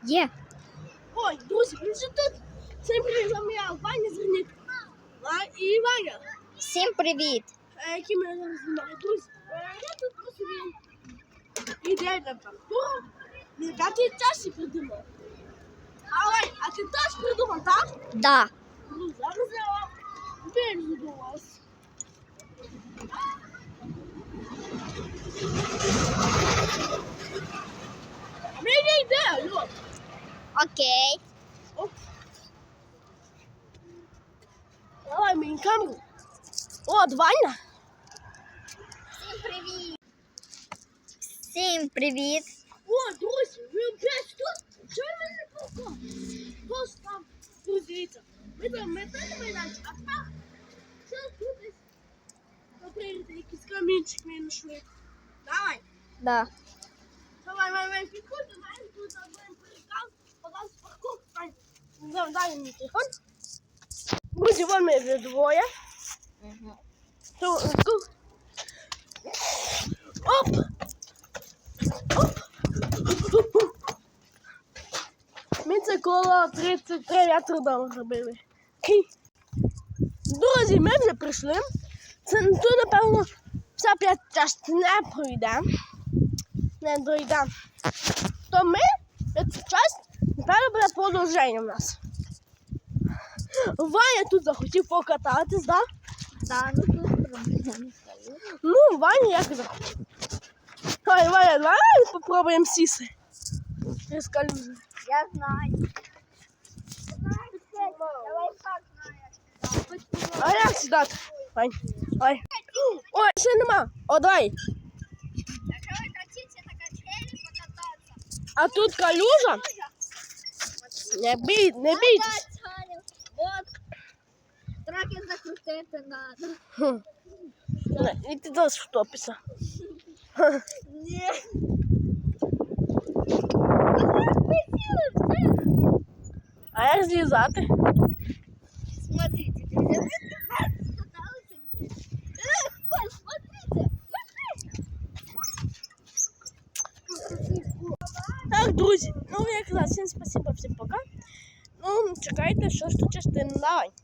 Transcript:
Є. Ой, друзі, він же тут. Всім привіт, з вами я, Ваня Зерник. І Ваня. Всім привіт. Які мене зараз знімають. Друзі, я тут по собі ідейна паркура. Я ти теж придумав. А ти теж придумав, так? Да. Ну, зараз я вам виріжу до вас. Мені йде, Льот. Окей. Оп. Давай мені камеру. От, Ваня. Всім привіт. Всім привіт. О, друзі, ви опять тут? Чого ви не проходите? Просто там, друзі, дивіться. Ми там метали майданчик, а так, все тут десь. Поприйти, якийсь камінчик ми знайшли. Давай. Да. Давай, підходь, давай, тут будемо перекав, подав з парку. Дай мені телефон. Друзі, вон ми вже двоє. Тут. Оп! Ми це коло 33 метри дому зробили. Друзі, ми вже прийшли. Це тут, напевно, вся п'ята частина не пройде. Не дойде. То ми, цю частину, напевно, буде продовження в нас. Ваня тут захотів покататись, так? Да, ну тут проблем. Ну, Ваня як захотів. Давай, Ваня, давай попробуємо сісти. Через калюжу. Я знаю. Давай так знаєш. А як сідати? Вань, давай. Ой, ще нема. О, давай. Якщо ви хочете на качелі покататися. А тут калюжа? Не бійтесь. Вот. Траки закрутити надо. І ти теж втопишся. Ні. А як злізати? Смотрите, легко, смотрите. Так, друзі, ну як казав, всім спасибо, всім пока. Ну, чекайте, що ж тут частина. Давай.